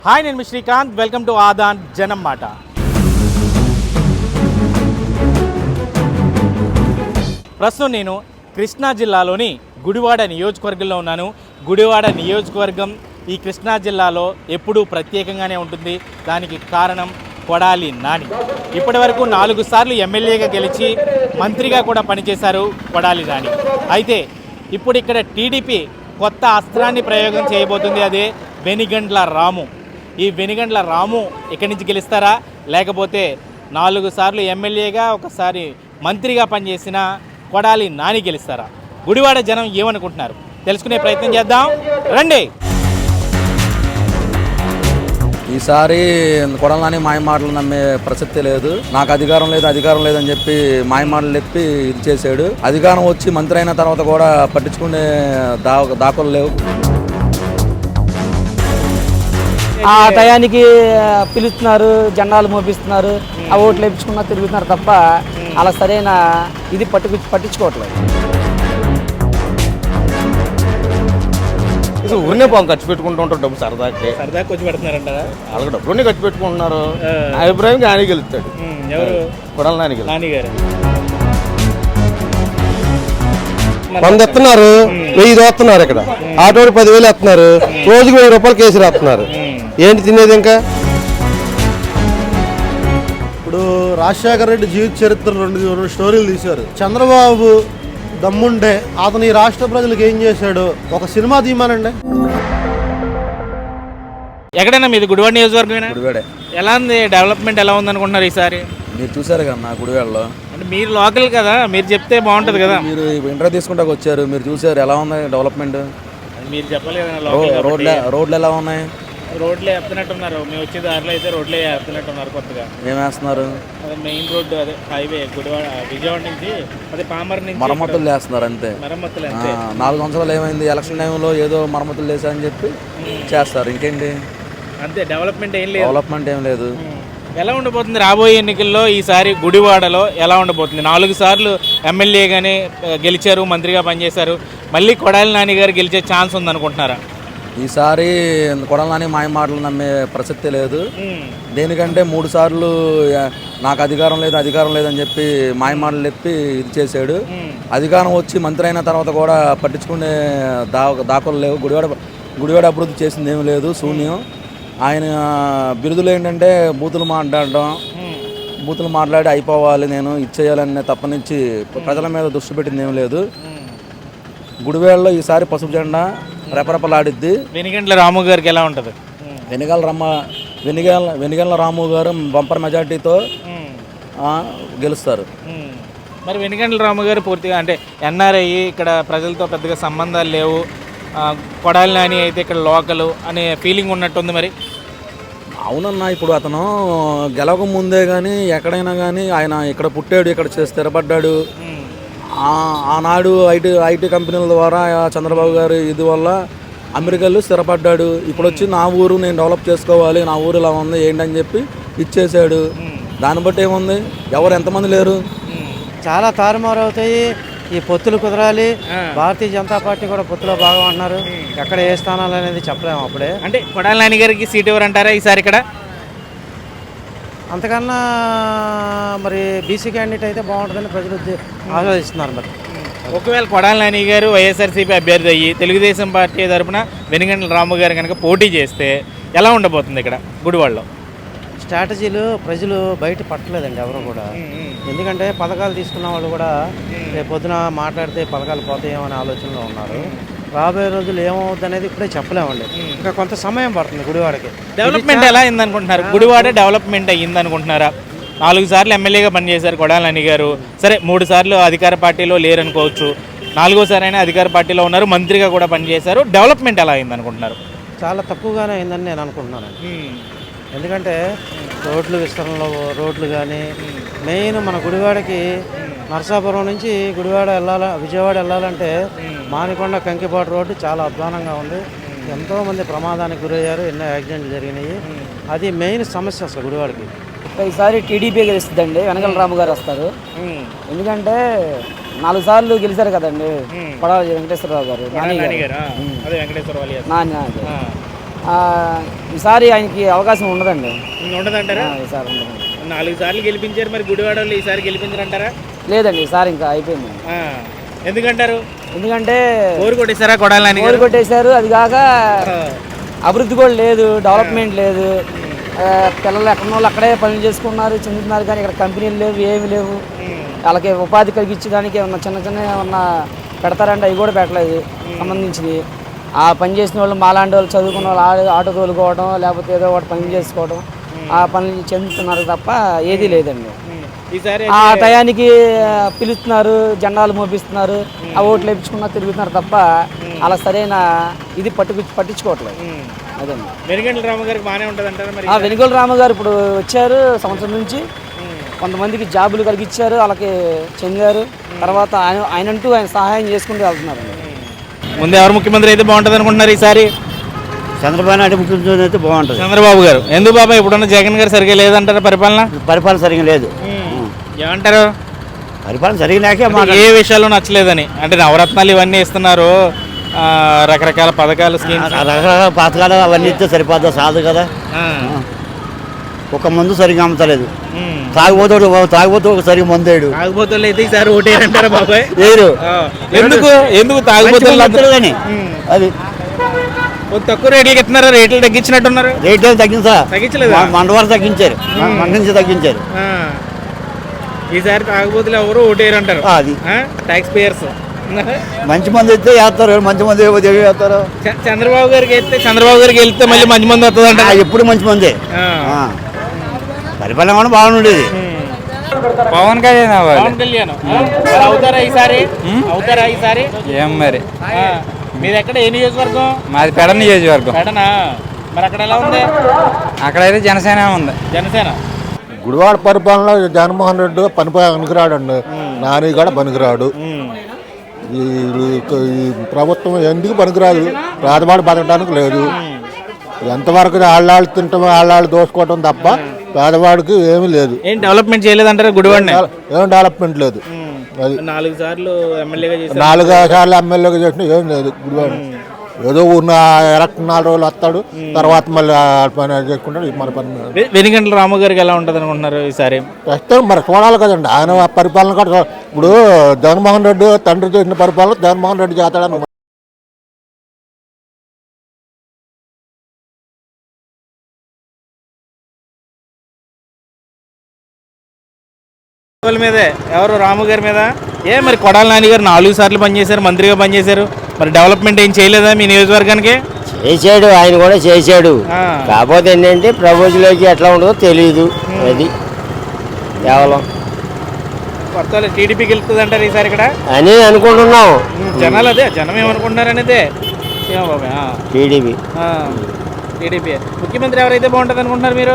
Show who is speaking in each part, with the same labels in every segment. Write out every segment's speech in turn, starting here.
Speaker 1: Hi, నేను Srikanth. Welcome to ఆదాన్ జనం మాట. ప్రస్తుతం నేను కృష్ణా జిల్లాలోని గుడివాడ నియోజకవర్గంలో ఉన్నాను. గుడివాడ నియోజకవర్గం ఈ కృష్ణా జిల్లాలో ఎప్పుడూ ప్రత్యేకంగానే ఉంటుంది. దానికి కారణం కొడాలి నాని. ఇప్పటి వరకు 4 సార్లు ఎమ్మెల్యేగా గెలిచి మంత్రిగా కూడా పనిచేశారు కొడాలి నాని. అయితే ఇప్పుడు ఇక్కడ టీడీపీ కొత్త అస్త్రాన్ని ప్రయోగం చేయబోతుంది. అదే వెనిగండ్ల రాము. ఈ వెనిగండ్ల రాము ఇక్కడి నుంచి గెలుస్తారా, లేకపోతే 4 సార్లు ఎమ్మెల్యేగా ఒకసారి మంత్రిగా పనిచేసిన కొడాలి నాని గెలుస్తారా? గుడివాడ జనం ఏమనుకుంటున్నారు తెలుసుకునే ప్రయత్నం చేద్దాం రండి.
Speaker 2: ఈసారి కొడాలి నాని మాయ మాటలు నమ్మే ప్రసక్తే లేదు. నాకు అధికారం లేదని చెప్పి మాయ మాటలు చెప్పి ఇది చేశాడు. అధికారం వచ్చి మంత్రి అయిన తర్వాత కూడా పట్టించుకునే దాఖలు లేవు.
Speaker 3: ఆ టయానికి పిలుస్తున్నారు, జెండాలు మోపిస్తున్నారు, ఆ ఓట్లు వేయించుకున్నా తిరుగుతున్నారు తప్ప అలా సరైన ఇది పట్టించుకోవట్లేదు.
Speaker 4: ఊరినే పాపం ఖర్చు పెట్టుకుంటూ ఉంటారు డబ్బు సరదాకి
Speaker 1: కొంచెం పెడుతున్నారంటారా?
Speaker 4: వాళ్ళకి డబ్బులన్నీ ఖర్చు పెట్టుకుంటున్నారు. అభిప్రాయం ఆయన గెలుస్తాడు.
Speaker 1: ఎవరు?
Speaker 4: కొడాలి నాని
Speaker 1: గారు.
Speaker 5: 100 ఎత్తున్నారు, 1000 దోస్తున్నారు. ఇక్కడ ఆటోడు 10,000 ఎత్తున్నారు, రోజుకి 1000 రూపాయలు కేసు రాస్తున్నారు. ఏంటి తినేది? ఇంకా
Speaker 6: ఇప్పుడు రాజశేఖర రెడ్డి జీవిత చరిత్ర రెండు స్టోరీలు తీశారు. చంద్రబాబు దమ్ముండే అతను ఈ రాష్ట్ర ప్రజలకు ఏం చేశాడు ఒక సినిమా తీయమానండి.
Speaker 1: ఎక్కడైనా మీది గుడివాడ నియోజకవర్గమేనా?
Speaker 2: గుడివాడే.
Speaker 1: ఎలా ఉంది డెవలప్మెంట్, ఎలా ఉంది అనుకుంటున్నారు ఈసారి?
Speaker 2: మీరు చూసారు కదా నా గుడివాడలో.
Speaker 1: అంటే మీరు లోకల్ కదా, మీరు చెప్తే బాగుంటుంది కదా.
Speaker 2: మీరు ఇంటర్వ్యూ తీసుకుంటా వచ్చారు, మీరు చూసారు ఎలా ఉంది డెవలప్మెంట్.
Speaker 1: మీరు చెప్పలేదు.
Speaker 2: రోడ్లు ఎలా ఉన్నాయి?
Speaker 1: రోడ్లే వేస్తున్నట్టున్నారు. మేము వచ్చే దారిలో అయితే రోడ్లే వేస్తున్నట్టున్నారు కొత్తగా.
Speaker 2: ఏం వేస్తున్నారు?
Speaker 1: అదే మెయిన్ రోడ్డు, అదే హైవే గుడివాడ విజయవాడ నుంచి అదే పామర్ నుంచి
Speaker 2: మరమ్మతులు చేస్తున్నారు అంతే.
Speaker 1: మరమ్మతులు అంతే.
Speaker 2: 4 సంవత్సరాలు ఏమైంది? ఎలక్షన్ టైంలో ఏదో మరమ్మతులు చేశారని చెప్పి చేస్తారు, ఇంకేంటి
Speaker 1: అంతే. డెవలప్మెంట్ ఏం లేదు.
Speaker 2: డెవలప్మెంట్ ఏం లేదు.
Speaker 1: ఎలా ఉండబోతుంది రాబోయే ఎన్నికల్లో? ఈసారి గుడివాడలో ఎలా ఉండబోతుంది? 4 సార్లు ఎమ్మెల్యేగానే గెలిచారు, మంత్రిగా పనిచేశారు. మళ్ళీ కొడాలి నాని గారు గెలిచే ఛాన్స్ ఉందనుకుంటున్నారా?
Speaker 2: ఈసారి కొడాలి నాని మాయ మాటలు నమ్మే ప్రసక్తే లేదు. దేనికంటే 3 సార్లు నాకు అధికారం లేదని చెప్పి మాయ మాటలు చెప్పి ఇది చేశాడు. అధికారం వచ్చి మంత్రి అయిన తర్వాత కూడా పట్టించుకునే దాఖలు లేవు. గుడివాడ అభివృద్ధి చేసింది ఏమీ లేదు, శూన్యం. ఆయన బిరుదులు ఏంటంటే బూతులు మాట్లాడి అయిపోవాలి, నేను ఇచ్చేయాలనే తప్పనించి ప్రజల మీద దృష్టి పెట్టింది ఏమీ లేదు. గుడివాడలో ఈసారి పసుపు జెండా రెపరెపలాడిద్ది.
Speaker 1: వెనిగండ్ల రాము గారికి ఎలా ఉంటుంది?
Speaker 2: వెనిగండ్ల రాము గారు బంపర్ మెజార్టీతో గెలుస్తారు.
Speaker 1: మరి వెనిగండ్ల రాము గారు పూర్తిగా అంటే ఎన్ఆర్ఐ, ఇక్కడ ప్రజలతో పెద్దగా సంబంధాలు లేవు, కొడాలి నాని అయితే ఇక్కడ లోకలు అనే ఫీలింగ్ ఉన్నట్టుంది. మరి
Speaker 2: అవునన్నా, ఇప్పుడు అతను గెలవక ముందే కానీ ఎక్కడైనా కానీ ఆయన ఇక్కడ పుట్టాడు, ఇక్కడ స్థిరపడ్డాడు. ఆనాడు ఐటీ కంపెనీల ద్వారా చంద్రబాబు గారు ఇది వల్ల అమెరికాలో స్థిరపడ్డాడు. ఇప్పుడు వచ్చి నా ఊరు నేను డెవలప్ చేసుకోవాలి, నా ఊరు ఇలా ఉంది ఏంటని చెప్పి ఇచ్చేసాడు. దాన్ని బట్టి ఏముంది, ఎవరు ఎంతమంది లేరు,
Speaker 3: చాలా తారుమారు అవుతాయి. ఈ పొత్తులు కుదరాలి. భారతీయ జనతా పార్టీ కూడా పొత్తులో భాగం అంటున్నారు. ఎక్కడ ఏ స్థానాలు అనేది చెప్పలేము అప్పుడే.
Speaker 1: అంటే కొడాలి నాని గారికి సీట్ ఎవరంటారా ఈసారి ఇక్కడ?
Speaker 3: అంతకన్నా మరి బీసీ క్యాండిడేట్ అయితే బాగుంటుందని ప్రజలు ఆలోచిస్తున్నారు. మరి
Speaker 1: ఒకవేళ కొడాలి నాని గారు వైఎస్ఆర్సీపీ అభ్యర్థి అయ్యి తెలుగుదేశం పార్టీ తరఫున వెనిగండ్ల రాము గారు కనుక పోటీ చేస్తే ఎలా ఉండబోతుంది ఇక్కడ గుడివాడలో?
Speaker 3: స్ట్రాటజీలు ప్రజలు బయట పట్టలేదండి ఎవరు కూడా. ఎందుకంటే పథకాలు తీసుకున్న వాళ్ళు కూడా రేపు పొద్దున మాట్లాడితే పథకాలు పోతాయేమో అనే ఆలోచనలో ఉన్నారు. రాబోయే రోజులు ఏమవుద్ది అనేది ఇప్పుడే చెప్పలేమండి. ఇంకా కొంత సమయం పడుతుంది గుడివాడకి.
Speaker 1: డెవలప్మెంట్ ఎలా అయిందనుకుంటున్నారు? గుడివాడ డెవలప్మెంట్ అయ్యిందనుకుంటున్నారా? 4 సార్లు ఎమ్మెల్యేగా పనిచేశారు కొడాలి నాని గారు. సరే, 3 సార్లు అధికార పార్టీలో లేరనుకోవచ్చు, 4వ అయినా అధికార పార్టీలో ఉన్నారు, మంత్రిగా కూడా పనిచేశారు. డెవలప్మెంట్ ఎలా అయిందనుకుంటున్నారు?
Speaker 3: చాలా తక్కువగానే అయిందని నేను అనుకుంటున్నాను. ఎందుకంటే రోడ్లు కానీ మెయిన్ మన గుడివాడకి నరసాపురం నుంచి విజయవాడ వెళ్ళాలంటే మానికొండ కంకిపాటు రోడ్డు చాలా అధ్వానంగా ఉంది. ఎంతోమంది ప్రమాదానికి గురయ్యారు, ఎన్నో యాక్సిడెంట్లు జరిగినాయి. అది మెయిన్ సమస్య అసలు గుడివాడకి.
Speaker 7: ఈసారి టీడీపీ గెలుస్తుందండి, వెనకల రాము గారు వస్తారు. ఎందుకంటే 4 సార్లు గెలిచారు కదండి కొడాలి వెంకటేశ్వరరావు గారు, నాని. ఈసారి ఆయనకి అవకాశం ఉండదండి.
Speaker 1: ఉండదంటారా?
Speaker 7: ఈసారి ఉండదండి.
Speaker 1: 4 సార్లు గెలిపించారు, మరి గుడివాడ వాళ్ళు ఈసారి గెలిపించారంటారా?
Speaker 7: లేదండి, ఈసారి ఇంకా అయిపోయింది.
Speaker 1: ఎందుకంటారు?
Speaker 7: ఎందుకంటే
Speaker 1: ఓరు కొట్టేశారా కొడాలని?
Speaker 7: ఓరు కొట్టేశారు. అది కాక అభివృద్ధి కూడా లేదు, డెవలప్మెంట్ లేదు. పిల్లలు ఎక్కడో అక్కడే పనులు చేసుకున్నారు, చెందుతున్నారు, కానీ ఇక్కడ కంపెనీలు లేవు, ఏమి లేవు. వాళ్ళకి ఉపాధి కలిగించడానికి ఏమన్నా చిన్న చిన్న ఏమన్నా పెడతారంటే అవి కూడా పెట్టలేదు సంబంధించినవి. ఆ పని చేసిన వాళ్ళు మాలాంటి వాళ్ళు చదువుకున్న వాళ్ళు ఆటో తోలుకోవడం, లేకపోతే ఏదో ఒకటి పని చేసుకోవడం, ఆ పనులు చెందుతున్నారు తప్ప ఏదీ లేదండి.
Speaker 1: ఈసారి
Speaker 7: ఆ టయానికి పిలుస్తున్నారు, జెండాలు మోపిస్తున్నారు, ఆ ఓట్లు వేయించుకున్నా తిరుగుతున్నారు తప్ప అలా సరైన ఇది పట్టించుకోవట్లేదు. అదండి.
Speaker 1: వెనుగండ్ల రాము గారికి బాగానే ఉంటుంది అంటారా మరి?
Speaker 7: వెనుగోల రాము గారు ఇప్పుడు వచ్చారు, సంవత్సరం నుంచి కొంతమందికి జాబులు కలిగించారు, వాళ్ళకి చెందారు. తర్వాత ఆయనంటూ ఆయన సహాయం చేసుకుంటూ వెళ్తున్నారు.
Speaker 1: ముందు ఎవరు ముఖ్యమంత్రి అయితే బాగుంటుంది అనుకుంటున్నారు ఈసారి?
Speaker 3: చంద్రబాబు నాయుడు ముఖ్యమంత్రి అయితే బాగుంటుంది.
Speaker 1: చంద్రబాబు గారు. ఎందుకు బాబా ఇప్పుడున్న జగన్ గారు సరిగ్గా లేదంటారా పరిపాలన?
Speaker 3: పరిపాలన సరిగ్గా లేదు.
Speaker 1: ఏమంటారు?
Speaker 3: పరిపాలన సరిగ్గా లేక
Speaker 1: ఏ విషయాల్లో నచ్చలేదని? అంటే నవరత్నాలు ఇవన్నీ ఇస్తున్నారు, రకరకాల పథకాలు, స్కీమ్స్,
Speaker 3: రకరకాల పథకాలు అవన్నీ ఇస్తే సరిపోద్దా? సాదు కదా. ఒక మందు సరిగ్గా అమ్మతలేదు. తాగుబోతు ఒక సరిగ్గా మందేడు.
Speaker 1: తాగుబోతులు అయితే ఈసారి ఓటేయారంటారా బాబాయ్?
Speaker 3: లేరు.
Speaker 1: ఎందుకు తాగుబోతులు
Speaker 3: అది
Speaker 1: తక్కువ రేట్లకి ఇస్తున్నారా? రేట్లు తగ్గించినట్టున్నారు.
Speaker 3: రేట్లు
Speaker 1: తగ్గించలేదు,
Speaker 3: మండవారు తగ్గించారు, మండ నుంచి తగ్గించారు.
Speaker 1: ఈసారి తాగుబోతులు ఎవరు ఓటేయరంటారు?
Speaker 3: అది
Speaker 1: ట్యాక్స్ పేయర్స్.
Speaker 3: మంచి మంది అయితే వేస్తారు, మంచి మంది వేస్తారు.
Speaker 1: చంద్రబాబు గారికి వెళ్తే మళ్ళీ మంచి మంది వస్తుందంట.
Speaker 3: ఎప్పుడు మంచి మంది. పరిపాలన కూడా బాగుండేది.
Speaker 8: పవన్ కళ్యాణ్
Speaker 1: అవుతారా ఈసారి?
Speaker 8: ఏం మరి
Speaker 1: మీది ఎక్కడ? ఏ నియోజకవర్గం?
Speaker 8: మాది పెడ నియోజకవర్గం.
Speaker 1: పెడనా? మరి అక్కడ ఎలా ఉంది?
Speaker 8: అక్కడైతే జనసేన ఉంది.
Speaker 1: జనసేన.
Speaker 6: గుడివాడ పరిపాలనలో జగన్మోహన్ రెడ్డి పనికిరాడండి, నాని కూడా పనికిరాడు. ఈ ప్రభుత్వం ఎందుకు పనికిరాదు? పేదవాడు బతకడానికి లేదు. ఎంతవరకు ఆళ్ళాళ్ళు తింటాం, ఆళ్ళాళ్ళు దోసుకోవటం తప్ప పేదవాడికి ఏమీ లేదు.
Speaker 1: ఏం డెవలప్మెంట్ చేయలేదంటారా గుడివాడిని?
Speaker 6: ఏం డెవలప్మెంట్ లేదు. అది
Speaker 1: 4 సార్లు ఎమ్మెల్యేగా చేశారు.
Speaker 6: 4 సార్లు ఎమ్మెల్యేగా చేసినా ఏం లేదు గుడివాడు. ఏదో ఊరిన ఎలక్షన్ 4 రోజులు వస్తాడు, తర్వాత మళ్ళీ పని చేసుకుంటాడు. మన పని.
Speaker 1: వెనుగండ్ల రాము గారికి ఎలా ఉంటుంది అనుకుంటున్నారు ఈసారి?
Speaker 6: ప్రస్తుతం మరి చూడాలి కదండి, ఆయన పరిపాలన కూడా. ఇప్పుడు జగన్మోహన్ రెడ్డి తండ్రి చేసిన పరిపాలన జగన్మోహన్ రెడ్డి చేస్తాడని
Speaker 1: మీదే ఎవరు? రాము గారి మీద. మరి కొడాల నాని గారు 4 సార్లు పనిచేశారు, మంత్రిగా పనిచేశారు. మరి డెవలప్మెంట్ ఏం చేయలేదా మీ నియోజకవర్గానికి?
Speaker 3: చేశాడు, ఆయన కూడా చేశాడు. కాకపోతే ఏంటంటే ప్రభుత్వంలోకి ఎట్లా ఉండదో తెలియదు. అది కేవలం
Speaker 1: కొత్త టీడీపీకి వెళ్తుంది అంటారు ఈసారి ఇక్కడ
Speaker 3: అని అనుకుంటున్నాం.
Speaker 1: జనాలు జనం ఏమనుకుంటున్నారు అనేది.
Speaker 3: టీడీపీ
Speaker 1: ముఖ్యమంత్రి ఎవరైతే బాగుంటుంది అనుకుంటున్నారు మీరు?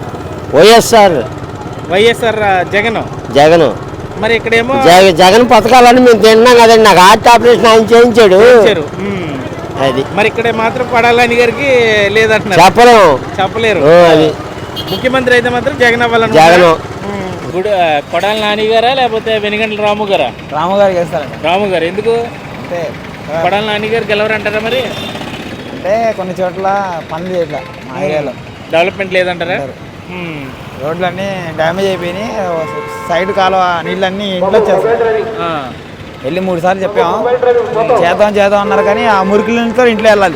Speaker 1: వైఎస్ఆర్ జగన్. మరి ఇక్కడేమో
Speaker 3: జగన్ పథకాలని మేము తిన్నాం కదండి. నాకు హార్ట్ ఆపరేషన్ ఆయన చేయించాడు. అది
Speaker 1: మరి ఇక్కడ మాత్రం కొడాలని గారికి లేదంటున్నారు. చెప్పలేరు.
Speaker 3: అది
Speaker 1: ముఖ్యమంత్రి అయితే మాత్రం జగన్ అవ్వాలని.
Speaker 3: జగన్
Speaker 1: కొడాల నాని గారా లేకపోతే వెనుగండ్ల రాము గారా?
Speaker 7: రాము గారు చేస్తారండి.
Speaker 1: రాము గారు. ఎందుకు?
Speaker 7: అంటే
Speaker 1: కొడాల నాని గారు గెలవరంటారా మరి?
Speaker 7: అంటే కొన్ని చోట్ల పనులు చేయట్లా, మా ఏరియాలో
Speaker 1: డెవలప్మెంట్ లేదంటారా?
Speaker 7: రోడ్లన్నీ డ్యామేజ్ అయిపోయినాయి. సైడ్ కాలువ నీళ్ళన్నీ ఇంట్లో వచ్చేస్తాయి. వెళ్ళి 3 సార్లు చెప్పాము, చేద్దాం అన్నారు, కానీ ఆ మురికి నీళ్ళతో ఇంట్లో వెళ్ళాలి.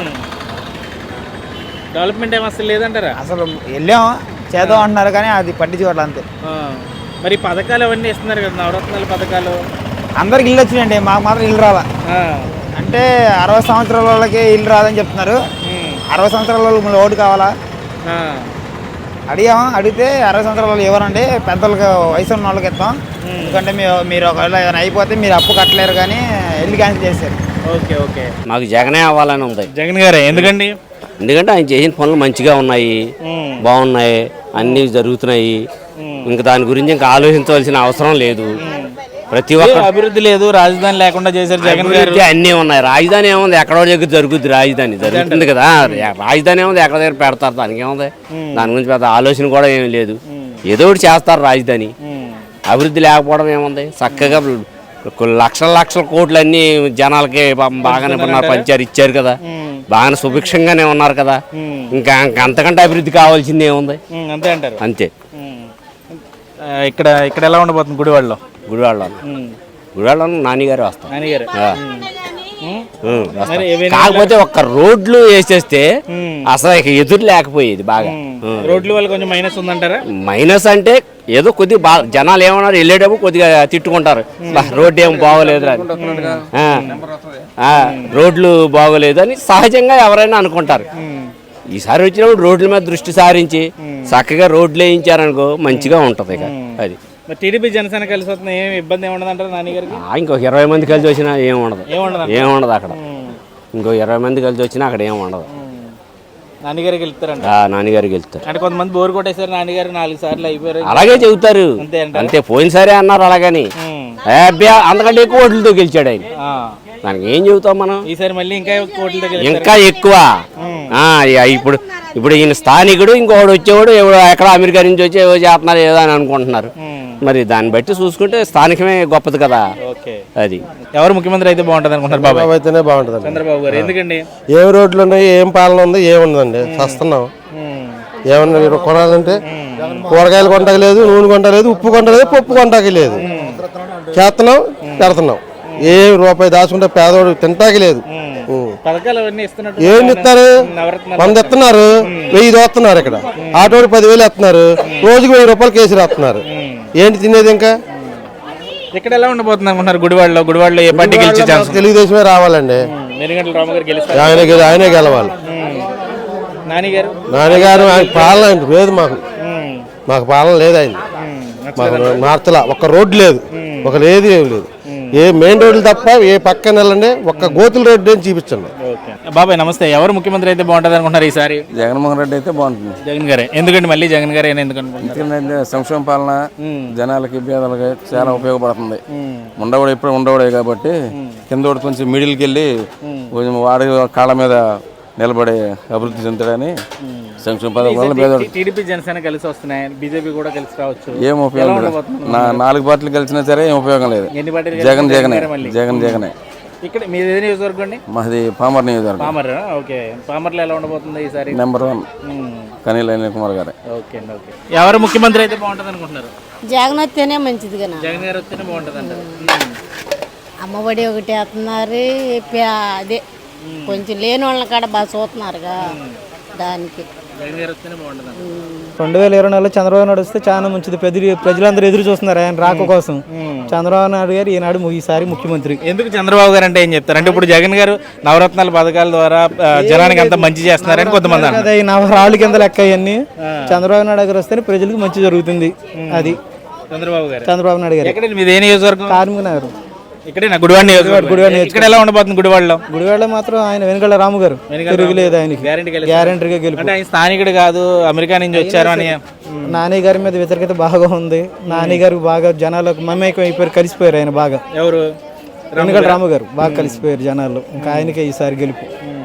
Speaker 1: డెవలప్మెంట్ ఏం అసలు లేదంటారా?
Speaker 7: అసలు వెళ్ళాము, చేద్దాం అంటున్నారు, కానీ అది పట్టించుకోవట్లేదు అంతే.
Speaker 1: మరి పథకాలు అవన్నీ ఇస్తున్నారు కదా, నవరత్నాల పథకాలు.
Speaker 7: అందరికి ఇల్లు వచ్చినాయండి, మాకు మాత్రం ఇల్లు రాలా. అంటే 60 సంవత్సరాల వాళ్ళకి ఇల్లు రాదని చెప్తున్నారు. 60 సంవత్సరాల వాళ్ళు ఓటు కావాలా? అడిగితే 60 సంవత్సరాల వాళ్ళు ఎవరండి, పెద్దలకు వయసు ఉన్న వాళ్ళకి ఇస్తాం, ఎందుకంటే మీరు ఒకవేళ ఏమైనా అయిపోతే మీరు అప్పు కట్టలేరు, కానీ ఇల్లు క్యాన్సిల్ చేశారు.
Speaker 1: ఓకే.
Speaker 3: మాకు జగనే అవ్వాలని ఉంది.
Speaker 1: జగన్ గారే. ఎందుకండి?
Speaker 3: ఎందుకంటే ఆయన చేసిన పనులు మంచిగా ఉన్నాయి, బాగున్నాయి, అన్నీ జరుగుతున్నాయి. ఇంకా దాని గురించి ఇంకా ఆలోచించవలసిన అవసరం లేదు. ప్రతి ఒక్క
Speaker 1: అభివృద్ధి లేదు, రాజధాని లేకుండా చేశారు జగన్ గారు.
Speaker 3: అన్నీ ఉన్నాయి. రాజధాని ఏముంది, ఎక్కడో దగ్గర జరుగుద్ది. రాజధాని జరుగుతుంది కదా, రాజధాని ఏముంది, ఎక్కడ దగ్గర పెడతారు, దానికి ఏముంది. దాని గురించి పెద్ద ఆలోచన కూడా ఏమి లేదు. ఏదో ఒకటి చేస్తారు రాజధాని. అభివృద్ధి లేకపోవడం ఏముంది, చక్కగా లక్షల కోట్లు అన్ని జనాలకి బాగానే పంచారు, ఇచ్చారు కదా.
Speaker 9: బాగా సుభిక్షంగానే ఉన్నారు కదా. ఇంకా అంతకంటే అభివృద్ధి కావాల్సింది ఏముంది?
Speaker 1: అంతే అంటారు.
Speaker 9: అంతే.
Speaker 1: ఇక్కడ ఇక్కడ ఎలా ఉండబోతుంది గుడివాడలో?
Speaker 9: గుడివాడలో నాన్నగారు వస్తారు.
Speaker 1: నాన్నగారు
Speaker 9: కాకపోతే ఒక్క రోడ్లు వేసేస్తే అసలు ఇక ఎదురు లేకపోయేది. బాగా
Speaker 1: రోడ్ల వల్ల కొంచెం మైనస్ ఉందంటారా?
Speaker 9: మైనస్ అంటే ఏదో కొద్దిగా బాగా జనాలు ఏమన్నారు, వెళ్ళేటప్పుడు కొద్దిగా తిట్టుకుంటారు, రోడ్డు ఏం బాగోలేదు అని, రోడ్లు బాగోలేదు అని సహజంగా ఎవరైనా అనుకుంటారు. ఈసారి వచ్చినప్పుడు రోడ్ల మీద దృష్టి సారించి చక్కగా రోడ్లు వేయించారనుకో మంచిగా ఉంటది. ఇక అది
Speaker 1: టీడీపీ జనసేన కలిసి వస్తుంది, ఏమి ఇబ్బంది ఏముండదు అంటారు నాన్నగారికి?
Speaker 9: ఇంకొక 20 మంది కలిసి వచ్చినా ఏముండదు అక్కడ. ఇంకో 20 మంది కలిసి వచ్చినా అక్కడ ఏముండదు.
Speaker 1: నాన్నగారికి వెళ్తారంట.
Speaker 9: నాన్నగారికి వెళ్తారు.
Speaker 1: అంటే కొంతమంది బోర్ కొట్టేసారు, నాన్నగారు 4 సార్లు అయిపోయారు,
Speaker 9: అలాగే చెబుతారు. అంతే, పోయినసారి అన్నారు అలాగని. అంతకంటే ఎక్కువ ఓట్లతో గెలిచాడు ఆయన. దానికి ఏం చెబుతాం మనం?
Speaker 1: ఈసారి మళ్ళీ
Speaker 9: ఇంకా ఎక్కువ. ఇప్పుడు ఈయన స్థానికుడు, ఇంకొకడు వచ్చేవాడు ఎక్కడ అమెరికా నుంచి వచ్చి ఏవో చేస్తున్నారు ఏదో అని అనుకుంటున్నారు. మరి దాన్ని బట్టి చూసుకుంటే స్థానికమే గొప్పది కదా. అది
Speaker 1: ఎవరు ముఖ్యమంత్రి అయితే బాగుంటుంది అనుకుంటారు?
Speaker 5: బాబు అయితేనే బాగుంటుంది.
Speaker 1: చంద్రబాబు గారు. ఎందుకండి?
Speaker 5: ఏం రోడ్లు ఉన్నాయి, ఏం పాలన ఉంది, ఏముండదండి. వస్తున్నాం ఏమన్నా కొనాలంటే కూరగాయలు కొంటలేదు, నూనె కొంటలేదు, ఉప్పు కొంటలేదు, పప్పు కొంటాకి లేదు. చేస్తున్నాం, పెడుతున్నాం. ఏ రూపాయి దాచుకుంటే పేదవాడు తింటాకి లేదు. ఏం ఇస్తారు? 100 ఇస్తున్నారు, 1000 దోస్తున్నారు. ఇక్కడ ఆటోడు 10,000 ఇస్తున్నారు, రోజుకి 1000 రూపాయలు కేసు రాస్తున్నారు. ఏంటి తినేది? ఇంకా
Speaker 1: ఇక్కడ ఎలా ఉండబోతుంది అనుకుంటున్నారు? గుడివాడలో ఏ పార్టీ గెలిచే ఛాన్స్?
Speaker 5: తెలుగుదేశమే రావాలండి. ఆయనే గెలవాలి. నాన్నగారు ఆయన పాలన లేదు, మాకు పాలన లేదు. ఆయన మాకు మార్చలా. ఒక్క రోడ్డు లేదు, ఒక లేదు, ఏమి లేదు. ఏ మెయిన్ రోడ్లు తప్ప ఏ పక్కన వెళ్ళండి, ఒక్క గోతుల రోడ్డు అని చూపించండి.
Speaker 1: బాబాయ్ నమస్తే. ఎవరు ముఖ్యమంత్రి అయితే బాగుంటుంది అనుకుంటున్నారు ఈసారి?
Speaker 4: జగన్మోహన్ రెడ్డి అయితే బాగుంటుంది.
Speaker 1: జగన్ గారే. ఎందుకంటే మళ్ళీ జగన్ గారే ఎందుకంటే
Speaker 4: సంక్షేమ పాలన జనాలకి పేదలకి చాలా ఉపయోగపడుతుంది. ఉండవాడు ఎప్పుడు ఉండవాడే కాబట్టి కింద కొంచెం మిడిల్కి వెళ్ళి కొంచెం వాడి కాళ్ళ మీద నిలబడే అభివృద్ధి చెందుతాడని సంక్షేమ పథకం వల్ల పేదవాడు.
Speaker 1: టీడీపీ జనసేన కలిసి వస్తున్నాయి, బీజేపీ కూడా కలిసి రావచ్చు.
Speaker 4: ఏం ఉపయోగం లేదు. 4 పార్టీలు కలిసినా సరే ఏం ఉపయోగం లేదు. జగనే.
Speaker 1: ఇక్కడ మీది ఏ నియోజకవర్గం అండి?
Speaker 4: మాది పామర్ నియోజకవర్గం.
Speaker 1: పామర్. ఓకే. పామర్లో ఎలా ఉండబోతుంది ఈసారి?
Speaker 4: నెంబర్ 1 కనీల అనిల్ కుమార్ గారు.
Speaker 1: ఓకే. ఎవరు ముఖ్యమంత్రి అయితే బాగుంటుంది అనుకుంటున్నారు?
Speaker 10: జగన్ వస్తేనే మంచిది కదా.
Speaker 1: జగన్ గారు వస్తేనే బాగుంటుంది అంటారు.
Speaker 10: అమ్మఒడి ఒకటి వేస్తున్నారు, అదే కొంచెం లేని వాళ్ళని కాడ బాగా చూస్తున్నారుగా, దానికి
Speaker 3: 2024 చంద్రబాబు నాయుడు వస్తే చాలా మంచిది. ప్రజలందరూ ఎదురు చూస్తున్నారు ఆయన రాక కోసం. చంద్రబాబు నాయుడు గారు ఈనాడు ఈసారి ముఖ్యమంత్రి.
Speaker 1: ఎందుకు చంద్రబాబు గారు అంటే ఏం చెప్తారు? అంటే ఇప్పుడు జగన్ గారు నవరత్నాల పథకాల ద్వారా జనానికి అంత మంచి చేస్తున్నారని కొంతమంది
Speaker 3: అదే రాళ్ళ కింద లెక్క అవన్నీ. చంద్రబాబు నాయుడు గారు వస్తేనే ప్రజలకు మంచి జరుగుతుంది. అది చంద్రబాబు నాయుడు గారు.
Speaker 1: మీది ఏ నియోజకవర్గం?
Speaker 3: కార్మిక నగరం.
Speaker 1: ఇక్కడ గుడివాడ నియోజకవర్గం. ఇక్కడ ఎలా ఉండబోతుంది గుడివాడలో?
Speaker 3: గుడివాడలో మాత్రం ఆయన వెనుకళ్ళ రాము గారు తిరుగులేదు. ఆయనకి గ్యారంటీగా గెలుపు.
Speaker 1: అంటే ఆయన స్థానికుడు కాదు, అమెరికా నుంచి వచ్చారు అని.
Speaker 3: నాని గారి మీద వ్యతిరేకత బాగా ఉంది. నాని గారు బాగా జనాలకు మమేకం అయిపోయారు, కలిసిపోయారు. ఆయన బాగా
Speaker 1: ఎవరు?
Speaker 3: వెనుకళ్ళ రాము గారు బాగా కలిసిపోయారు జనాల్లో. ఇంకా ఆయనకే ఈసారి గెలుపు.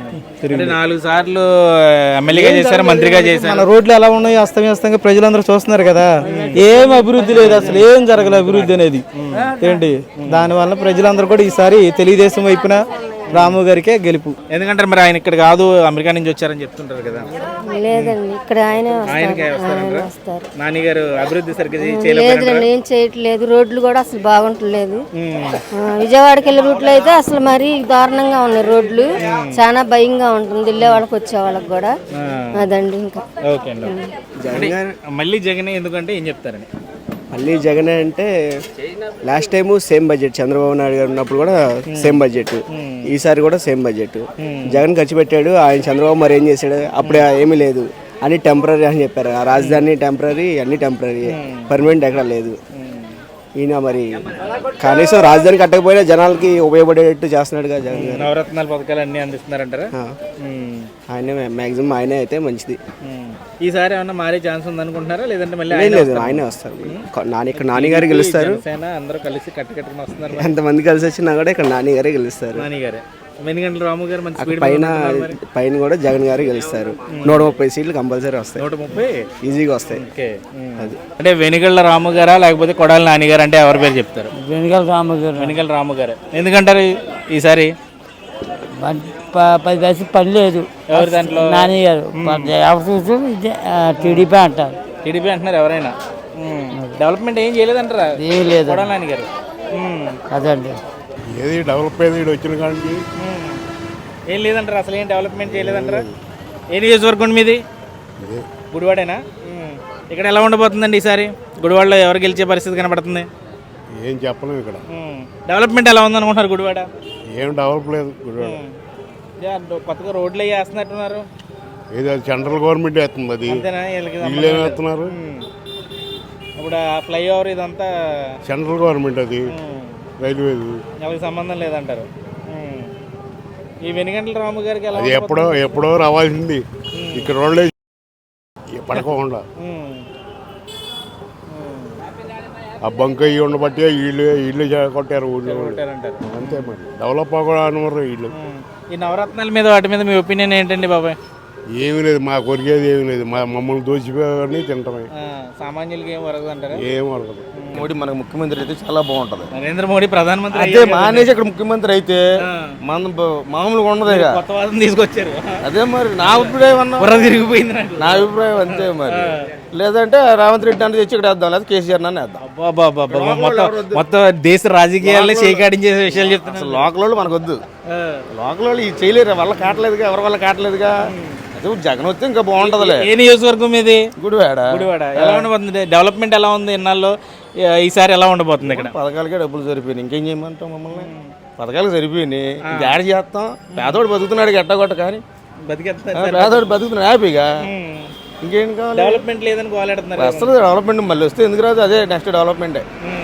Speaker 1: 4 సార్లు ఎమ్మెల్యేగా చేశారు, మంత్రిగా చేశారు.
Speaker 3: మన రోడ్లు ఎలా ఉన్నాయి అస్తవ్యస్తంగా ప్రజలందరూ చూస్తున్నారు కదా. ఏం అభివృద్ధి లేదు, అసలు ఏం జరగలేదు అభివృద్ధి అనేది. ఏంటి దానివల్ల ప్రజలందరూ కూడా ఈసారి తెలుగుదేశం వైపున రాము గారికే గెలుపు.
Speaker 1: ఎందుకంటే మరి ఆయన ఇక్కడ కాదు, అమెరికా నుంచి వచ్చారని చెప్తుంటారు కదా.
Speaker 10: లేదండి, ఇక్కడ
Speaker 1: ఆయనకే వస్తారు. నాని గారు అభివృద్ధి సరిగ్గా
Speaker 10: లేదండి, ఏం చేయట్లేదు. రోడ్లు కూడా అసలు బాగుంటలేదు. విజయవాడకి వెళ్ళే రూట్లో అయితే అసలు మరీ దారుణంగా ఉన్నాయి రోడ్లు. చాలా భయంగా ఉంటుంది వెళ్ళే వాళ్ళకి వచ్చే వాళ్ళకి కూడా. అదండి ఇంకా.
Speaker 1: ఓకే అండి. మళ్ళీ జగన్ ఎందుకంటే ఏం చెప్తారని?
Speaker 11: మళ్ళీ జగన్ అంటే last time same budget, Chandrababu Naidu గారు ఉన్నప్పుడు కూడా సేమ్ బడ్జెట్, ఈసారి కూడా సేమ్ బడ్జెట్. జగన్ ఖర్చు పెట్టాడు, ఆయన చంద్రబాబు మరి ఏం చేశాడు? అప్పుడు ఏమీ లేదు, అన్ని టెంపరీ అని చెప్పారు. ఆ రాజధాని టెంపరీ, అన్ని టెంపరీ, పర్మనెంట్ ఎక్కడ లేదు. ఈయన మరి కనీసం రాజధాని కట్టకపోయినా జనాలకి ఉపయోగపడేటట్టు చేస్తున్నాడుగా జగన్ గారు.
Speaker 1: నవరత్నాల పథకాలు అన్ని అందిస్తున్నారంటారా?
Speaker 11: ఆయనే మ్యాక్సిమం ఆయనే అయితే మంచిది.
Speaker 1: ఈసారి ఏమన్నా మారే ఛాన్స్ ఉంది అనుకుంటున్నారా? లేదంటే మళ్ళీ
Speaker 11: లేదు, ఆయనే వస్తారు. ఇక్కడ నాని గారు గెలుస్తారు.
Speaker 1: అందరూ కలిసి కట్టుకట్టుకుని వస్తున్నారు.
Speaker 11: ఎంతమంది కలిసి వచ్చినా కూడా ఇక్కడ నాని గారే గెలుస్తారు.
Speaker 1: రాము గారు
Speaker 11: పైన కూడా జగన్ గారు గెలుస్తారు. 130 సీట్లు కంపల్సరీ వస్తాయి.
Speaker 1: 130
Speaker 11: ఈజీగా వస్తాయి.
Speaker 1: అది అంటే వెనుగళ్ళ రాము గారా లేకపోతే కొడాలి నాని గారు అంటే ఎవరి పేరు చెప్తారు?
Speaker 3: వెనుకల రాము గారు.
Speaker 1: వెనుగళ్ళ రాము గారు. ఎందుకంటారు ఈసారి?
Speaker 7: 10 పైసలు పని లేదు.
Speaker 1: ఎవరి దాంట్లో?
Speaker 7: నాని గారు ఎవరు చూసి టీడీపీ అంటారు.
Speaker 1: టీడీపీ అంటున్నారు ఎవరైనా. డెవలప్మెంట్ ఏం చేయలేదంటారా?
Speaker 7: ఏం లేదు
Speaker 1: కొడాలి నాని గారు.
Speaker 7: అదండి.
Speaker 6: ఏది డెవలప్ అయ్యేది వచ్చిన కానీ
Speaker 1: ఏం లేదంటారా? అసలు ఏం డెవలప్మెంట్ చేయలేదంటారా? ఏ నియోజకవర్గం మీది? గుడివాడేనా? ఇక్కడ ఎలా ఉండబోతుందండి ఈసారి? గుడివాడలో ఎవరు గెలిచే పరిస్థితి కనబడుతుంది?
Speaker 6: ఏం చెప్పలేము ఇక్కడ.
Speaker 1: డెవలప్మెంట్ ఎలా ఉందనుకుంటున్నారు గుడివాడ?
Speaker 6: ఏం డెవలప్ లేదు గుడివాడ.
Speaker 1: కొత్తగా రోడ్లు అవి వేస్తున్నట్టున్నారు.
Speaker 6: ఏది అది సెంట్రల్ గవర్నమెంట్ వేస్తుంది, అది
Speaker 1: అంతేనా? వీళ్ళకి
Speaker 6: వీళ్ళు ఏం వేస్తున్నారు?
Speaker 1: ఇప్పుడు ఆ ఫ్లైఓవర్ ఇదంతా
Speaker 6: సెంట్రల్ గవర్నమెంట్, అది రైల్వేది.
Speaker 1: వాళ్ళకి సంబంధం లేదంటారు. ఈ వెనుగంటల రాము గారికి ఎలా
Speaker 6: అది ఎప్పుడో రావాల్సింది. ఇక్కడ రోడ్లే పడకోకుండా ఆ బంక ఇవి ఉండబట్టి ఇల్లు కొట్టారు ఊళ్ళో. అంతే మరి డెవలప్ అవ్వకూడదు వీళ్ళు.
Speaker 1: ఈ నవరత్నాల మీద వాటి మీద మీ ఒపీనియన్ ఏంటండి బాబాయ్?
Speaker 6: ఏమీ లేదు, మా కొరికేది ఏమీ లేదు. మమ్మల్ని దోచిపోయి తింటమే.
Speaker 1: సామాన్యులకి ఏం వరగదు అంటారా?
Speaker 6: ఏం వరగదు.
Speaker 5: మోడీ మనకు ముఖ్యమంత్రి అయితే చాలా బాగుంటుంది.
Speaker 1: నరేంద్ర మోడీ ప్రధానమంత్రి
Speaker 5: అదే మానేసి ఇక్కడ ముఖ్యమంత్రి అయితే మన మామూలుగా ఉండదు.
Speaker 1: కొత్త వాదన తీసుకొచ్చారు.
Speaker 5: అదే మరి నా అభిప్రాయం
Speaker 1: తిరిగిపోయింది నాకు.
Speaker 5: నా అభిప్రాయం అంతే మరి. లేదంటే రేవంత్ రెడ్డి అంటే తెచ్చి ఇక్కడ వేద్దాం, లేదా కేసీఆర్ నన్ను వేద్దాం.
Speaker 1: మొత్తం దేశ రాజకీయాల్లో చేకాడించే విషయాలు చెప్తున్నారు.
Speaker 5: అసలు లోకల్ వాళ్ళు మనకు వద్దు. లోకల్ వాళ్ళు ఇది చేయలేరు, వల్ల కావట్లేదుగా, ఎవరి వల్ల కావట్లేదుగా. అదే జగన్ వస్తే ఇంకా బాగుంటదిలే.
Speaker 1: ఏ నియోజకవర్గం ఇది?
Speaker 5: గుడివాడ.
Speaker 1: ఎలా ఉండబోతుంది? డెవలప్మెంట్ ఎలా ఉంది ఇన్నాళ్ళు? ఈసారి ఎలా ఉండబోతుంది? ఇక్కడ
Speaker 5: పథకాలకే డబ్బులు సరిపోయినాయి, ఇంకేం చేయమంటాం మమ్మల్ని? పథకాలు సరిపోయినాయి, యాడ్ చేస్తాం. పేదోడు బతుకుతున్నాడు ఎట్టగొట్ట, కానీ పేదోడు బతుకుతున్నాడు హ్యాపీగా. ఇంకేం కావాలి?
Speaker 1: డెవలప్మెంట్ లేదని కోలాడుతున్నారు.
Speaker 5: అసలు డెవలప్మెంట్ మళ్ళీ వస్తే ఎందుకు రాదు? అదే నెక్స్ట్ డెవలప్మెంటే.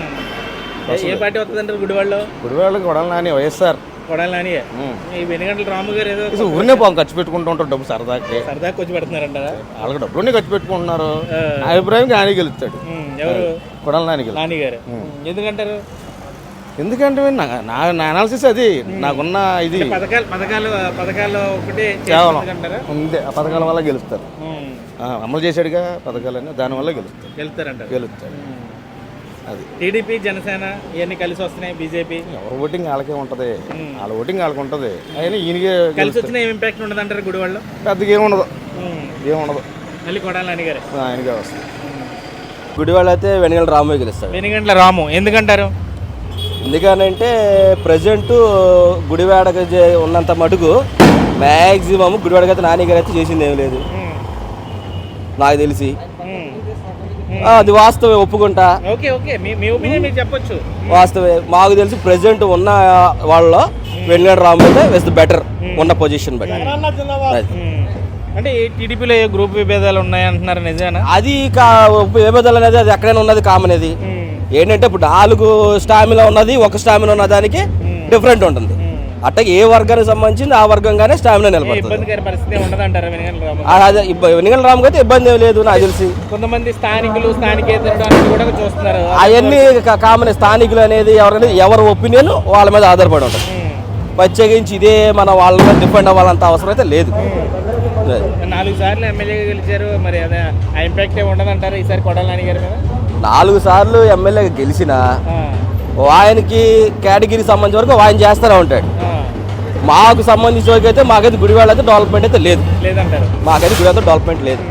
Speaker 1: ఏ పార్టీ వస్తుందంటారు గుడివాడలో?
Speaker 5: గుడివాడలో కొడాలి నాని, వైఎస్ఆర్.
Speaker 1: కొడాలి నాని. ఈ వెనుగంటల రాము గారు ఏదో
Speaker 5: ఊరినే పాపం ఖర్చు పెట్టుకుంటూ ఉంటారు డబ్బు సరదాకి.
Speaker 1: సరదాకి వచ్చి పెడుతున్నారంటారా?
Speaker 5: వాళ్ళకి డబ్బులు ఖర్చు పెట్టుకుంటున్నారు. నా అభిప్రాయం నాని గెలుస్తాడు.
Speaker 1: ఎవరు?
Speaker 5: కొడాలి నాని
Speaker 1: గారు. ఎందుకంటారు?
Speaker 5: ఎందుకంటే నా అనాలిసిస్ అది, నాకున్న ఇది.
Speaker 1: పథకాలు ఒకటి
Speaker 5: కేవలం ఉంది, ఆ పథకాల వల్ల గెలుస్తారు. అమలు చేశాడుగా పథకాలన్నీ, దానివల్ల గెలుస్తారంటారు. అది
Speaker 1: టీడీపీ జనసేన ఇవన్నీ కలిసి వస్తున్నాయి. బీజేపీ
Speaker 5: ఎవరు ఓటింగ్ వాళ్ళకే ఉంటుంది, వాళ్ళ ఓటింగ్ వాళ్ళకి ఉంటుంది. అయినా ఈయనకే
Speaker 1: కలిసి వచ్చిన ఏం ఇంపాక్ట్ ఉండదు అంటారు గుడివాడలో?
Speaker 5: పెద్దగా ఏముండదు.
Speaker 1: మళ్ళీ కొడాలి నాని గారు
Speaker 5: ఆయనకే వస్తుంది.
Speaker 11: గుడివాడ అయితే వెనుగంటల రాము గెలుస్తాడు.
Speaker 1: వెనుగంటల రాము ఎందుకంటారు?
Speaker 11: ఎందుకనంటే ప్రజెంట్ గుడివాడకు ఉన్నంత మటుకు మ్యాక్సిమం గుడివాడకి అయితే నాని గారు అయితే చేసింది ఏం లేదు నాకు తెలిసి. అది వాస్తవే, ఒప్పుకుంటా.
Speaker 1: చెప్పొచ్చు,
Speaker 11: వాస్తవే. మాకు తెలిసి ప్రెసిడెంట్ ఉన్న వాళ్ళలో వెనుగంటల రాము అయితే ఇస్ ద బెటర్ ఉన్న పొజిషన్ బట్టి.
Speaker 1: అంటే టీడీపీలో ఏ గ్రూప్ విభేదాలు ఉన్నాయంటున్నారు, నిజమేనా?
Speaker 11: అది విభేదాలు అనేది అది ఎక్కడైనా ఉన్నది కామన్. అది ఏంటంటే ఇప్పుడు 4 స్టామినా ఉన్నది, ఒక స్టామినా ఉన్న దానికి డిఫరెంట్ ఉంటుంది. అట్లా ఏ వర్గానికి సంబంధించింది ఆ వర్గంగానే స్టామినా నిలబడుతుంది. అదే వెనుగంటల రాముకి అయితే ఇబ్బంది ఏం లేదు నాకు తెలిసి.
Speaker 1: కొంతమంది స్థానికులు కూడా చూస్తున్నారు.
Speaker 11: అవన్నీ కామన్. స్థానికులు అనేది ఎవరి ఒపీనియన్ వాళ్ళ మీద ఆధారపడి ఉంటుంది. ప్రత్యేకించి ఇదే మన వాళ్ళ మీద డిపెండ్ అవ్వాలంత అవసరం అయితే లేదు.
Speaker 1: 4 సార్లు ఎమ్మెల్యేగా గెలిచారు, మరి అదే ఆ ఇంపాక్ట్ ఉండదంటారు ఈసారి కొడాలి నాని గారి మీద?
Speaker 11: 4 సార్లు ఎమ్మెల్యేగా గెలిచిన ఆయనకి కేటగిరీ సంబంధించిన వరకు ఆయన చేస్తూనే ఉంటాడు. మాకు సంబంధించిన వరకు అయితే మాకైతే గుడివాడ అయితే డెవలప్మెంట్ అయితే లేదు. మాకైతే గుడివాడ డెవలప్మెంట్ లేదు.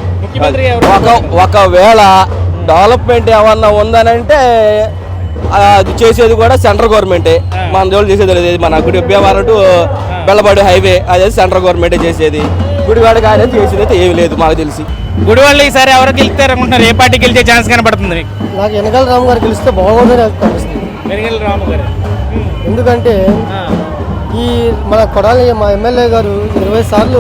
Speaker 11: ఒకవేళ డెవలప్మెంట్ ఏమన్నా ఉందనంటే అది చేసేది కూడా సెంట్రల్ గవర్నమెంటే. మన జోలు చేసేది లేదు. మన గుడి భీమవరం టు బెల్లపాడు హైవే అదే సెంట్రల్ గవర్నమెంటే చేసేది. గుడివాడకి ఆయన చేసేది అయితే ఏమి లేదు మాకు తెలిసి.
Speaker 1: గుడివాడలో ఈసారి ఎవరు గెలుస్తారు అనుకుంటున్నారు? ఏ పార్టీ గెలిచే ఛాన్స్ కనబడుతుంది?
Speaker 3: నాకు వెనకాల రాము గారు గెలిస్తే బాగుందని అనిపిస్తుంది.
Speaker 1: వెనుగంటల రాము గారు
Speaker 3: ఎందుకంటే ఈ మన కొడాలి మా ఎమ్మెల్యే గారు 20 సార్లు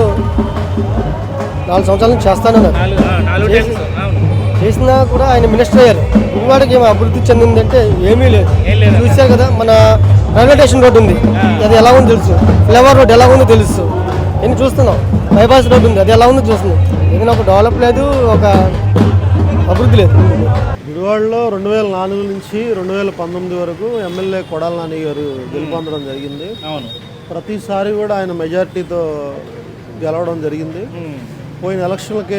Speaker 3: 4 సంవత్సరాల నుంచి చేస్తానన్నారు. చేసినా కూడా ఆయన మినిస్టర్ అయ్యారు. గుడివాడకి ఏమో అభివృద్ధి చెందిందంటే ఏమీ లేదు. చూసారు కదా, మన రైల్వే స్టేషన్ రోడ్డు ఉంది, అది ఎలా ఉందో తెలుసు. ఫ్లైఓవర్ రోడ్ ఎలా ఉందో తెలుసు. నేను చూస్తున్నాం. బైపాస్ రోడ్డు ఉంది, అది ఎలా ఉందో చూస్తున్నాం. ఏదైనా ఒక డెవలప్ లేదు, ఒక అభివృద్ధి లేదు.
Speaker 6: గుడివాడలో 2004 నుంచి 2019 వరకు ఎమ్మెల్యే కొడాలి నాని గారు గెలుపొందడం జరిగింది. ప్రతిసారి కూడా ఆయన మెజార్టీతో గెలవడం జరిగింది. పోయిన ఎలక్షన్లకి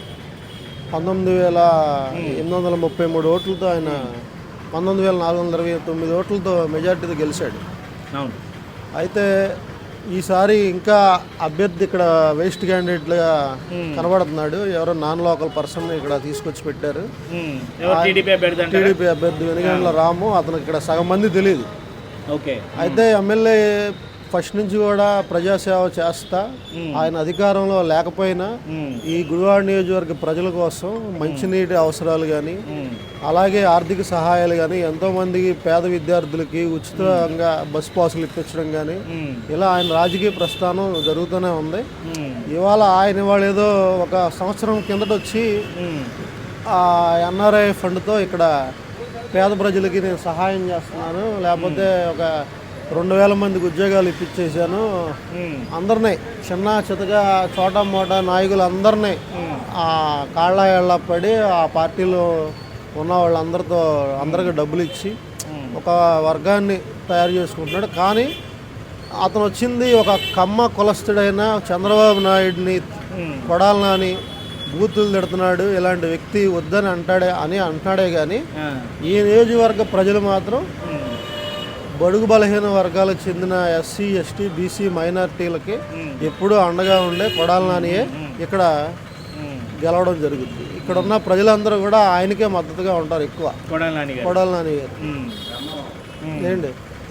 Speaker 6: 19,833 ఓట్లతో ఆయన 19,429 ఓట్లతో మెజార్టీతో గెలిచాడు. అయితే ఈసారి ఇంకా అభ్యర్థి ఇక్కడ వేస్ట్ క్యాండిడేట్గా కనబడుతున్నాడు. ఎవరో నాన్ లోకల్ పర్సన్ ఇక్కడ తీసుకొచ్చి పెట్టారు.
Speaker 1: టీడీపీ అభ్యర్థి
Speaker 6: టీడీపీ అభ్యర్థి వెనుగండ్ల రాము. అతనికి ఇక్కడ సగం మంది తెలియదు.
Speaker 1: ఓకే.
Speaker 6: అయితే ఎమ్మెల్యే ఫస్ట్ నుంచి కూడా ప్రజాసేవ చేస్తా, ఆయన అధికారంలో లేకపోయినా ఈ గుడివాడ నియోజకవర్గ ప్రజల కోసం మంచినీటి అవసరాలు కానీ, అలాగే ఆర్థిక సహాయాలు కానీ, ఎంతోమందికి పేద విద్యార్థులకి ఉచితంగా బస్ పాసులు ఇప్పించడం కానీ, ఇలా ఆయన రాజకీయ ప్రస్థానం జరుగుతూనే ఉంది. ఇవాళ ఏదో ఒక సంవత్సరం కిందట వచ్చి ఎన్ఆర్ఐ ఫండ్తో ఇక్కడ పేద ప్రజలకి నేను సహాయం చేస్తున్నాను, లేకపోతే ఒక 2000 మందికి ఉద్యోగాలు ఇప్పించేశాను, అందరినీ చిన్న చితగా చోటా మోటా నాయకులు అందరినీ కాళ్ళ ఏళ్ళ పడి ఆ పార్టీలో ఉన్న వాళ్ళందరితో అందరికీ డబ్బులు ఇచ్చి ఒక వర్గాన్ని తయారు చేసుకుంటున్నాడు. కానీ అతను వచ్చింది ఒక కమ్మ కులస్తుడైన చంద్రబాబు నాయుడిని కొడాలని బూతులు తిడుతున్నాడు, ఇలాంటి వ్యక్తి వద్దని అంటాడే కానీ ఈ నియోజకవర్గ ప్రజలు మాత్రం బడుగు బలహీన వర్గాలకు చెందిన ఎస్సీ ఎస్టీ బీసీ మైనారిటీలకి ఎప్పుడూ అండగా ఉండే కొడాలి నానియే ఇక్కడ గెలవడం జరుగుతుంది. ఇక్కడ ఉన్న ప్రజలందరూ కూడా ఆయనకే మద్దతుగా ఉంటారు ఎక్కువ. కొడాలి నాని గారు ఏంటి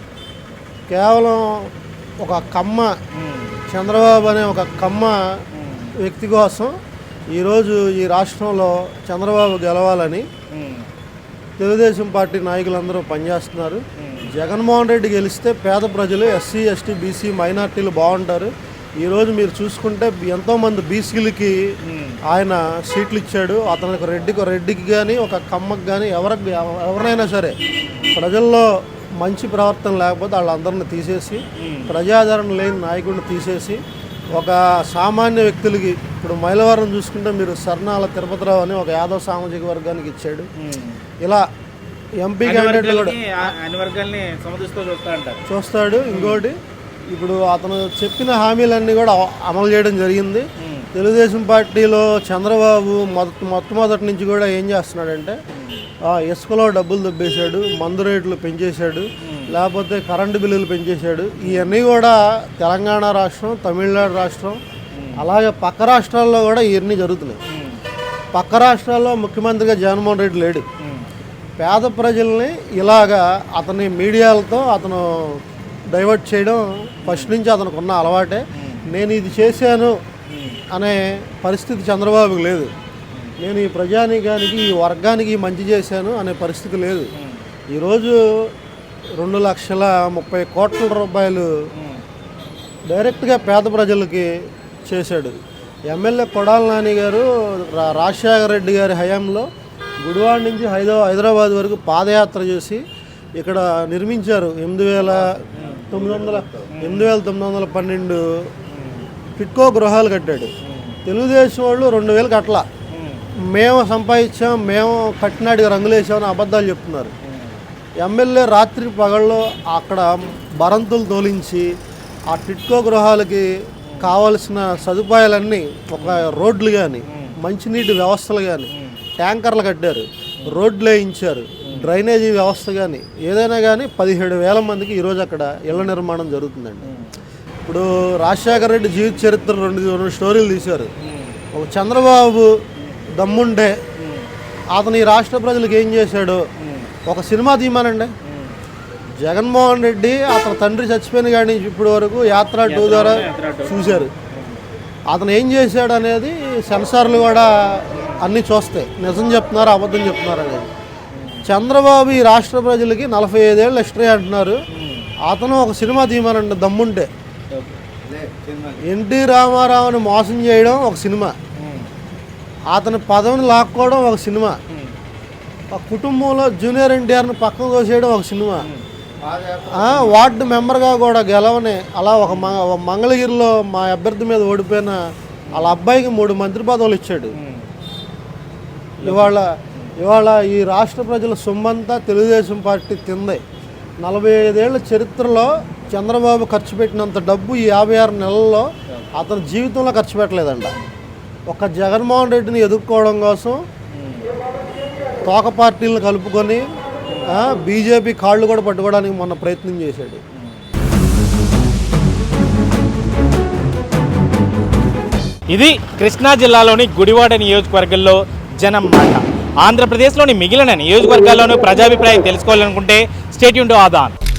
Speaker 6: కేవలం ఒక కమ్మ చంద్రబాబు అనే ఒక కమ్మ వ్యక్తి కోసం ఈరోజు ఈ రాష్ట్రంలో చంద్రబాబు గెలవాలని తెలుగుదేశం పార్టీ నాయకులందరూ పనిచేస్తున్నారు. జగన్మోహన్ రెడ్డి గెలిస్తే పేద ప్రజలు ఎస్సీ ఎస్టీ బీసీ మైనార్టీలు బాగుంటారు. ఈరోజు మీరు చూసుకుంటే ఎంతోమంది బీసీలకి ఆయన సీట్లు ఇచ్చాడు. అతనికి రెడ్డికి కానీ ఒక కమ్మకి కానీ ఎవరినైనా సరే ప్రజల్లో మంచి ప్రవర్తన లేకపోతే వాళ్ళందరిని తీసేసి, ప్రజాదరణ లేని నాయకుడిని తీసేసి ఒక సామాన్య వ్యక్తులకి, ఇప్పుడు మైలవరం చూసుకుంటే మీరు సర్నాల తిరుపతిరావు అని ఒక యాదవ సామాజిక వర్గానికి ఇచ్చాడు. ఇలా ఎంపీ క్యాండిడేట్లు కూడా చూస్తాడు. ఇంకోటి ఇప్పుడు అతను చెప్పిన హామీలన్నీ కూడా అమలు చేయడం జరిగింది. తెలుగుదేశం పార్టీలో చంద్రబాబు మొట్టమొదటి నుంచి కూడా ఏం చేస్తున్నాడంటే ఇసుకలో డబ్బులు దొబ్బేశాడు, మందు రేట్లు పెంచేశాడు, లేకపోతే కరెంటు బిల్లులు పెంచేశాడు. ఇవన్నీ కూడా తెలంగాణ రాష్ట్రం, తమిళనాడు రాష్ట్రం, అలాగే పక్క రాష్ట్రాల్లో కూడా ఇవన్నీ జరుగుతున్నాయి. పక్క రాష్ట్రాల్లో ముఖ్యమంత్రిగా జగన్మోహన్ రెడ్డి లేడు. పేద ప్రజల్ని ఇలాగా అతని మీడియాలతో అతను డైవర్ట్ చేయడం ఫస్ట్ నుంచి అతనికి ఉన్న అలవాటే. నేను ఇది చేశాను అనే పరిస్థితి చంద్రబాబుకి లేదు. నేను ఈ ప్రజానీకానికి ఈ వర్గానికి మంచి చేశాను అనే పరిస్థితి లేదు. ఈరోజు 2,30 కోట్ల రూపాయలు డైరెక్ట్గా పేద ప్రజలకి చేశాడు. ఎమ్మెల్యే కొడాలి నాని గారు రాజశేఖర రెడ్డి గారి హయాంలో గుడివాడ నుంచి హైదరాబాద్ వరకు పాదయాత్ర చేసి ఇక్కడ నిర్మించారు 8,912 టిట్కో గృహాలు కట్టాడు. తెలుగుదేశం వాళ్ళు 2,000 కట్ల, మేము సంపాదించాం, మేము కట్టినాడికి రంగులేసామని అబద్ధాలు చెప్తున్నారు. ఎమ్మెల్యే రాత్రి పగళ్ళు అక్కడ బరంతులు తోలించి ఆ టిట్కో గృహాలకి కావలసిన సదుపాయాలన్నీ, ఒక రోడ్లు కానీ, మంచినీటి వ్యవస్థలు కానీ, ట్యాంకర్లు కట్టారు, రోడ్లు వేయించారు, డ్రైనేజీ వ్యవస్థ కానీ, ఏదైనా కానీ 17,000 మందికి ఈరోజు అక్కడ ఇళ్ల నిర్మాణం జరుగుతుందండి. ఇప్పుడు రాజశేఖర రెడ్డి జీవిత చరిత్ర రెండు స్టోరీలు తీశారు. ఒక చంద్రబాబు దమ్ముంటే అతను ఈ రాష్ట్ర ప్రజలకు ఏం చేశాడో ఒక సినిమా తీయమానండి. జగన్మోహన్ రెడ్డి అతని తండ్రి చచ్చిపోయిన కానీ ఇప్పటి వరకు యాత్ర 2 ద్వారా చూశారు. అతను ఏం చేశాడు అనేది సెన్సార్లు కూడా అన్నీ చూస్తాయి, నిజం చెప్తున్నారు అబద్ధం చెప్తున్నారు అనేది. చంద్రబాబు ఈ రాష్ట్ర ప్రజలకి 45 ఏళ్ళు ఎక్స్ట్రా అంటున్నారు. అతను ఒక సినిమా తీయమనండి దమ్ముంటే. ఎన్టీ రామారావుని మోసం చేయడం ఒక సినిమా, అతని పదవిని లాక్కోవడం ఒక సినిమా, ఒక కుటుంబంలో జూనియర్ ఎన్టీఆర్ని పక్కన తోసేయడం ఒక సినిమా, వార్డు మెంబర్గా కూడా గెలవని అలా ఒక మంగళగిరిలో మా అభ్యర్థి మీద ఓడిపోయిన వాళ్ళ అబ్బాయికి 3 మంత్రి పదవులు ఇచ్చాడు. ఇవాళ ఈ రాష్ట్ర ప్రజల సొమ్మంతా తెలుగుదేశం పార్టీ తింది. 45 ఏళ్ల చరిత్రలో చంద్రబాబు ఖర్చు పెట్టినంత డబ్బు ఈ 56 నెలల్లో అతని జీవితంలో ఖర్చు పెట్టలేదంట. ఒక జగన్మోహన్ రెడ్డిని ఎదుర్కోవడం కోసం తోక పార్టీలను కలుపుకొని బీజేపీ కాళ్ళు కూడా పట్టుకోవడానికి మొన్న ప్రయత్నం చేశాడు.
Speaker 1: ఇది కృష్ణా జిల్లాలోని గుడివాడ నియోజకవర్గంలో జనం మాట. ఆంధ్రప్రదేశ్లోని మిగిలిన నియోజకవర్గాల్లోనూ ప్రజాభిప్రాయం తెలుసుకోవాలనుకుంటే స్టే ట్యూన్ టు ఆదాన్.